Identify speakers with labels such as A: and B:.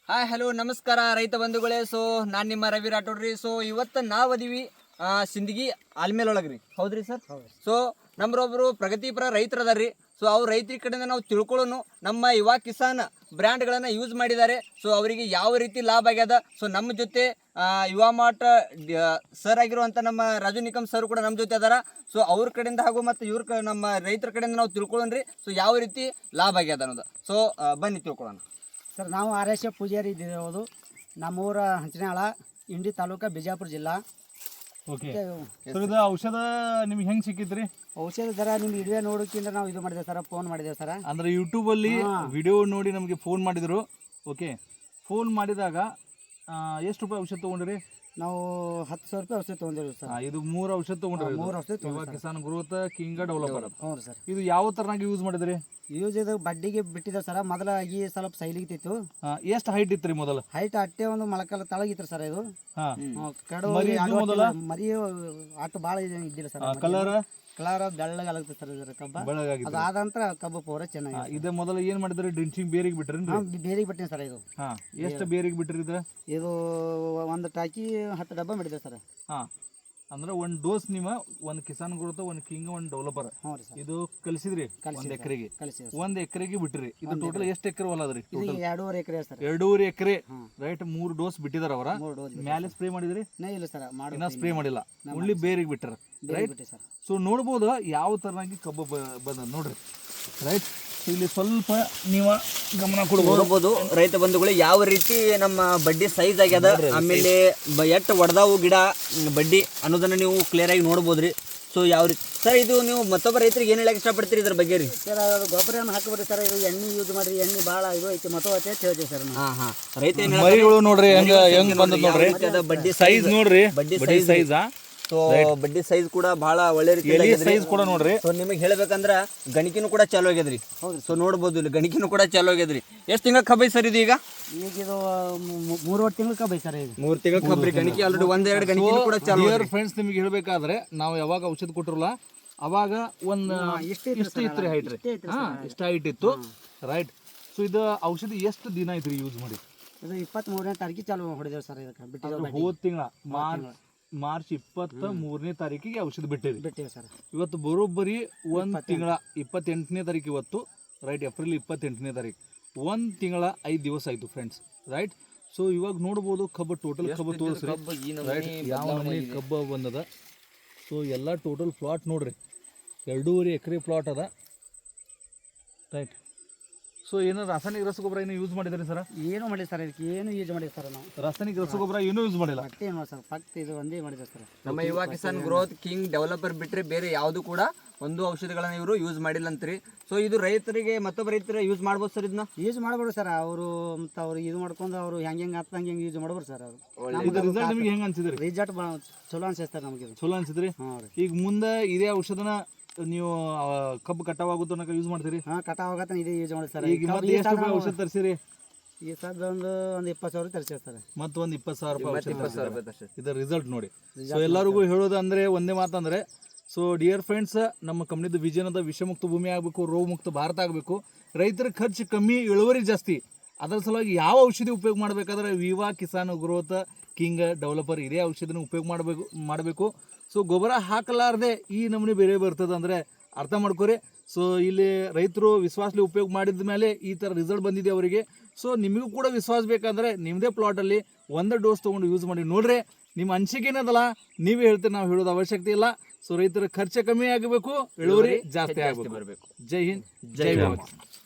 A: Hi hello ನಮಸ್ಕಾರ ರೈತ ಬಂಧುಗಳೇ. ಸೊ ನಾನು ನಿಮ್ಮ ರವಿ ರಾಠೋಡ್ರಿ. ಸೊ ಇವತ್ತು ನಾವು ಅದೀವಿ ಸಿಂದಗಿ ಆಲ್ಮೇಲೊಳಗ್ರಿ. ಹೌದ್ರಿ ಸರ್? ಸೊ ನಮ್ಮರೊಬ್ಬರು ಪ್ರಗತಿಪರ ರೈತರು ಅದಾರ್ರಿ. ಸೊ ಅವ್ರ ರೈತರ ಕಡೆಯಿಂದ ನಾವು ತಿಳ್ಕೊಳ್ಳೋನು ನಮ್ಮ ಯುವ ಕಿಸಾನ್ ಬ್ರ್ಯಾಂಡ್ಗಳನ್ನು ಯೂಸ್ ಮಾಡಿದ್ದಾರೆ. ಸೊ ಅವರಿಗೆ ಯಾವ ರೀತಿ ಲಾಭ ಆಗ್ಯದ. ಸೊ ನಮ್ಮ ಜೊತೆ ಯುವ ಮಾರ್ಟ್ ಸರ್ ಆಗಿರುವಂಥ ನಮ್ಮ ರಾಜು ನಿಕಮ್ ಸರ್ ಕೂಡ ನಮ್ಮ ಜೊತೆ ಅದಾರ. ಸೊ ಅವ್ರ ಕಡೆಯಿಂದ ಹಾಗೂ ಮತ್ತು ನಮ್ಮ ರೈತರ ಕಡೆಯಿಂದ ನಾವು ತಿಳ್ಕೊಳ್ಳೋಣ್ರಿ. ಸೊ ಯಾವ ರೀತಿ ಲಾಭ ಆಗ್ಯದ ಅನ್ನೋದು. ಸೊ ಬನ್ನಿ ತಿಳ್ಕೊಳ್ಳೋಣ
B: ಸರ್. ನಾವು ಆರ್.ಎಸ್. ಪೂಜಾರಿ ಇದ್ದಿರೋದು. ನಮ್ಮೂರ ಹಂಚನಾಳ, ಇಂಡಿ ತಾಲೂಕು, ಬಿಜಾಪುರ ಜಿಲ್ಲಾ.
C: ಓಕೆ ಸರ್, ಇದು ಔಷಧ ನಿಮ್ಗೆ ಹೆಂಗೆ ಸಿಕ್ಕಿದ್ರಿ?
B: ಔಷಧ ದರ ನಿಮ್ಮ ವಿಡಿಯೋ ನೋಡೋಕ್ಕಿಂತ ನಾವು ಇದು ಮಾಡಿದ್ದೇವೆ ಸರ್, ಫೋನ್ ಮಾಡಿದ್ದೇವೆ ಸರ್.
C: ಅಂದ್ರೆ ಯೂಟ್ಯೂಬಲ್ಲಿ ವಿಡಿಯೋ ನೋಡಿ ನಮಗೆ ಫೋನ್ ಮಾಡಿದ್ರು. ಓಕೆ, ಫೋನ್ ಮಾಡಿದಾಗ ಎಷ್ಟು ರೂಪಾಯಿ ಔಷಧ ತೊಗೊಂಡ್ರಿ?
B: ನಾವು 10,000 ರೂಪಾಯಿ ಔಷಧ ತೊಗೊಂಡಿದ್ದೀವಿ ಸರ್.
C: ಇದು 3 ಔಷಧ ತೊಗೊಂಡ್ರಿ.
B: 3 ಔಷಧ
C: Yuva Kisan growth king developer.
B: ಹ್ಞೂ ಸರ್.
C: ಇದು ಯಾವ ಥರನಾಗಿ ಯೂಸ್ ಮಾಡಿದ್ರಿ?
B: ಯೂಸ್ ಇದು ಬಡ್ಡಿಗೆ ಬಿಟ್ಟಿದ್ದೇವೆ ಸರ್. ಮೊದಲಾಗಿ ಸ್ವಲ್ಪ ಸೈಲಿಗಿತ್ತು.
C: ಎಷ್ಟು ಹೈಟ್ ಇತ್ತು ರೀ ಮೊದಲು?
B: ಹೈಟ್ ಅಟ್ಟೆ ಒಂದು ಮೊಳಕಾಲ ತಳಗಿತ್ತು ಸರ್. ಇದು ಕಡು ಮರಿ ಆಟ ಭಾಳ ಇದ್ದಿಲ್ಲ ಸರ್.
C: Colour
B: ಬೆಳ್ಳಗಾಗುತ್ತೆ sir. ಇದರ ಕಬ್ಬ
C: ಬೆಳಗಾಗಿ
B: ಅದಾದ ನಂತರ ಕಬ್ಬು ಪೂರ ಚೆನ್ನಾಗಿ.
C: ಇದೇ ಮೊದಲು ಏನ್ ಮಾಡಿದ್ರಿ? ಡ್ರಿಂಚಿಂಗ್ ಬೇರಿಗೆ ಬಿಟ್ರಿ?
B: ಬೇರಿಗೆ ಬಿಟ್ಟಿನಿ ಸರ್. ಇದು
C: ಎಷ್ಟು ಬೇರಿಗೆ ಬಿಟ್ರಿ?
B: ಇದು ಒಂದು ಟಾಕಿ 10 ಡಬ್ಬ ಮಾಡಿದೆ ಸರ್.
C: ಅಂದ್ರೆ ಒಂದು ಡೋಸ್ ನೀವು ಒಂದು ಕಿಸಾನ್ ಗ್ರೋತ್, ಒಂದು ಕಿಂಗ್, ಒಂದು ಡೆವಲಪರ್ ಇದು ಕಲಿಸಿದ್ರಿ. ಒಂದ್ ಎಕರೆಗೆ ಬಿಟ್ರಿ. ಇದು ಟೋಟಲ್ ಎಷ್ಟು ಎಕರೆ ಹೊಲ ಅದ್ರಿ?
B: 2.5 acre sir.
C: 2.5 acre right. 3 dose ಬಿಟ್ಟಿದಾರ ಅವರ. ಮ್ಯಾಲೆ ಸ್ಪ್ರೇ ಮಾಡಿದ್ರಿ?
B: ಇಲ್ಲ ಸರ್,
C: ಇನ್ನ ಸ್ಪ್ರೇ ಮಾಡಿಲ್ಲ, ಓನ್ಲಿ ಬೇರಿಗೆ ಬಿಟ್ಟಾರ. ರೈಟ್. ಸೊ ನೋಡ್ಬೋದು ಯಾವ ತರನಾಗಿ ಕಬ್ಬು ಬಂದ ನೋಡ್ರಿ. ರೈಟ್. ಇಲ್ಲಿ ಸ್ವಲ್ಪ ನೀವು ಗಮನ
A: ನೋಡ್ಬೋದು ರೈತ ಬಂಧುಗಳು ಯಾವ ರೀತಿ ನಮ್ಮ ಬಡ್ಡಿ ಸೈಜ್ ಆಗ್ಯದ, ಆಮೇಲೆ ಎಟ್ಟು ಒಡೆದಾವು ಗಿಡ ಬಡ್ಡಿ ಅನ್ನೋದನ್ನ ನೀವು ಕ್ಲಿಯರ್ ಆಗಿ ನೋಡ್ಬೋದ್ರಿ. ಸೊ ಯಾವ ರೀತಿ ಸರ್ ಇದು ನೀವು ಮತ್ತೊಬ್ಬ ರೈತರಿಗೆ ಏನು ಹೇಳಕ್ಕೆ ಇಷ್ಟಪಡ್ತೀರಿ ಇದ್ರ ಬಗ್ಗೆ ರೀ?
B: ಸರ್ ಅದು ಗೊಬ್ಬರ ಹಾಕಬೇಡಿ ಸರ್. ಇದು ಎಣ್ಣೆ ಯೂಸ್ ಮಾಡಿರಿ. ಎಣ್ಣೆ ಭಾಳ ಇದು ಐತಿ, ಮತ ಐತೆ ಅಂತ ಹೇಳ್ತೀವಿ ಸರ್.
A: ರೈತ
C: ಮರಿಗಳು ನೋಡ್ರಿ ಹೆಂಗ್ ಬಂದ ನೋಡ್ರಿ.
A: ಬಡ್ಡಿ
C: ಸೈಜ್ ನೋಡ್ರಿ. ಬಡ್ಡಿ ಸೈಜ್
A: ಸೊ ಬಡ್ಡಿ ಸೈಜ್ ಕೂಡ ಬಹಳ ಒಳ್ಳೆ ರೀತಿ
C: ಸೈಜ್ ಕೂಡ ನೋಡ್ರಿ.
A: ಸೊ ನಿಮಗೆ ಹೇಳ್ಬೇಕಂದ್ರ ಗಣಿಕಿನೂ ಕೂಡ ಚಾಲು ಆಗ್ಯದ್ರಿ. ಸೊ ನೋಡ್ಬೋದು ಇಲ್ಲಿ ಗಣಿಕಿನೂ ಕೂಡ ಚಾಲು ಆಗ್ಯದ್ರಿ. ಎಷ್ಟು ತಿಂಗಳ ಕಬ್ಬೈ ಸರ್ ಇದು? ಈಗ
B: ಇದು 3 ತಿಂಗಳ ಕಬ್ಬೈ ಸರ್. ಇದು
A: 3 ತಿಂಗಳ ಕಬ್ಬರಿ. ಗಣಿಕೆ ಆಲ್ರೆಡಿ 1-2 ಗಣಿಕಿನೂ ಕೂಡ ಚಾಲು.
C: ಫ್ರೆಂಡ್ಸ್, ನಿಮಗೆ ಹೇಳ್ಬೇಕಾದ್ರೆ ನಾವು ಯಾವಾಗ ಔಷಧ ಕೊಟ್ಟಿರಲ್ಲ ಅವಾಗ ಒಂದು ಎಷ್ಟು ಇತ್ತು ಹೈಟ್ ರೀ? ಇಷ್ಟ ಹೈಟ್ ಇತ್ತು. ರೈಟ್. ಸೊ ಇದು ಔಷಧಿ ಎಷ್ಟು ದಿನ ಐತ್ರಿ ಯೂಸ್ ಮಾಡಿ?
B: ಇದು 23ನೇ ತಾರೀಕಿಗೆ ಚಾಲು ಹೊಡೆದೇವೆ ಸರ್. ಇದಕ್ಕೆ ಬಿಟ್ಟಿದ್ದೇವೆ
C: ಹೋದ ತಿಂಗಳ ಮಾರ್ಚ್ 23ನೇ ತಾರೀಕಿಗೆ ಔಷಧ ಬಿಟ್ಟಿವಿ ಸರ್. ಇವತ್ತು ಬರೋಬ್ಬರಿ 1 ತಿಂಗಳ 28ನೇ ತಾರೀಕು ಇವತ್ತು. ರೈಟ್. ಏಪ್ರಿಲ್ 28ನೇ ತಾರೀಕು. 1 ತಿಂಗಳ 5 ದಿವಸ ಆಯ್ತು ಫ್ರೆಂಡ್ಸ್. ರೈಟ್. ಸೊ ಇವಾಗ ನೋಡ್ಬೋದು ಕಬ್ಬು ಟೋಟಲ್ ಕಬ್ಬು ತೋರಿಸ್ರಿ. ರೈಟ್. ಯಾವ ಮನೆ ಕಬ್ಬು ಬಂದದ. ಸೊ ಎಲ್ಲ ಟೋಟಲ್ ಪ್ಲಾಟ್ ನೋಡ್ರಿ. 2.5 ಎಕರೆ ಪ್ಲಾಟ್ ಅದ. ರೈಟ್. ಸೊ ಏನೋ ರಾಸಾಯನಿಕ ರಸಗೊಬ್ಬರ ಏನು ಯೂಸ್ ಮಾಡಿದ್ರಿ ಸರ್?
B: ಏನು ಮಾಡಿ ಸರ್, ಇದಕ್ಕೆ ಏನು ಯೂಸ್ ಮಾಡಿದೆ ಸರ್ ನಾವು.
C: ರಾಸಾಯನಿಕ ರಸಗೊಬ್ಬರ ಏನೂ ಯೂಸ್ ಮಾಡಿಲ್ಲ.
B: ಏನು ಸರ್, ಫಕ್ತ್ ಇದು ಒಂದೇ ಮಾಡಿದೆ ಸರ್.
A: ನಮ್ಮ Yuva Kisan growth king developer ಬಿಟ್ಟರೆ ಬೇರೆ ಯಾವುದು ಕೂಡ ಒಂದು ಔಷಧಿಗಳನ್ನ ಇವರು ಯೂಸ್ ಮಾಡಿಲ್ಲ ಅಂತ್ರಿ. ಸೊ ಇದು ರೈತರಿಗೆ ಮತ್ತೊಬ್ಬ ರೈತರು ಯೂಸ್ ಮಾಡ್ಬೋದು ಸರ್. ಇದನ್ನ
B: ಯೂಸ್ ಮಾಡ್ಬೋದು ಸರ್. ಅವರು ಮತ್ತು ಅವ್ರು ಇದು ಮಾಡ್ಕೊಂಡು ಅವರು ಹೆಂಗೆ ಆತ ಹಂಗೆ ಯೂಸ್ ಮಾಡ್ಬೋದು ಸರ್. ಅವರು
C: ರಿಸಲ್ಟ್ ನಿಮಗೆ ಹೆಂಗೆ ಅನ್ಸಿದ್ರಿ?
B: ರಿಸಲ್ಟ್ ಚಲೋ ಅನ್ಸುತ್ತೆ ಸರ್ ನಮಗೆ.
C: ಚಲೋ ಅನ್ಸಿದ್ರಿ? ಈಗ ಮುಂದೆ ಇದೇ ಔಷಧನ ನೀವು ಕಬ್ಬು ಕಟಾವಾಗುತ್ತೋ ಅನ್ನೋ ಯೂಸ್ ಮಾಡ್ತೀರಿ?
B: ಕಟಾವ್ ಆಗತ್ತ ಇದೇ ಯೂಸ್ ಮಾಡಿ ಸರ್.
C: ಈಗ ಮತ್ತೆ ಎಷ್ಟು ರೂಪಾಯಿ ಔಷಧ ತರಿಸಿರಿ?
B: ಈ ಸದ್ ಒಂದು 20,000 ತರಿಸಿರಿ ಸರ್.
C: ಮತ್ತೆ ಒಂದು 20,000 ರೂಪಾಯಿ. ಇದರ ರಿಸಲ್ಟ್ ನೋಡಿ. ಸೊ ಎಲ್ಲರಿಗೂ ಹೇಳೋದಂದ್ರೆ ಒಂದೇ ಮಾತಂದ್ರೆ, ಸೊ ಡಿಯರ್ ಫ್ರೆಂಡ್ಸ್, ನಮ್ಮ ಕಂಪ್ನಿದು ವಿಷನ್ ಅದ ವಿಷಮುಕ್ತ ಭೂಮಿ ಆಗಬೇಕು, ರೋಗ ಮುಕ್ತ ಭಾರತ ಆಗಬೇಕು, ರೈತರ ಖರ್ಚು ಕಮ್ಮಿ, ಇಳುವರಿ ಜಾಸ್ತಿ. ಅದರ ಸಲುವಾಗಿ ಯಾವ ಔಷಧಿ ಉಪಯೋಗ ಮಾಡಬೇಕಾದ್ರೆ ಯುವ ಕಿಸಾನ್ ಗ್ರೋತ್ ಕಿಂಗ್ ಡೆವಲಪರ್ ಇದೇ ಔಷಧಿನ ಉಪಯೋಗ ಮಾಡಬೇಕು. ಸೊ ಗೊಬ್ಬರ ಹಾಕಲಾರ್ದೆ ಈ ನಮೂನೆ ಬೇರೆ ಬರ್ತದೆ ಅಂದರೆ ಅರ್ಥ ಮಾಡ್ಕೊರಿ. ಸೊ ಇಲ್ಲಿ ರೈತರು ವಿಶ್ವಾಸಲಿ ಉಪಯೋಗ ಮಾಡಿದ ಮೇಲೆ ಈ ಥರ ರಿಸಲ್ಟ್ ಬಂದಿದೆ ಅವರಿಗೆ. ಸೊ ನಿಮಗೂ ಕೂಡ ವಿಶ್ವಾಸ ಬೇಕಂದರೆ ನಿಮ್ಮದೇ ಪ್ಲಾಟಲ್ಲಿ 1 ಡೋಸ್ ತೊಗೊಂಡು ಯೂಸ್ ಮಾಡಿ ನೋಡ್ರಿ. ನಿಮ್ಮ ಅನಿಸಿಕೆ ಏನದಲ್ಲ ನೀವೇ ಹೇಳ್ತೀರಿ, ನಾವು ಹೇಳೋದು ಅವಶ್ಯಕತೆ ಇಲ್ಲ. ಸೊ ರೈತರ ಖರ್ಚು ಕಮ್ಮಿ ಆಗಬೇಕು, ಇಳುವರಿ ಜಾಸ್ತಿ ಆಗಬೇಕು. ಜೈ ಹಿಂದ್, ಜೈ ಭಾರತ್.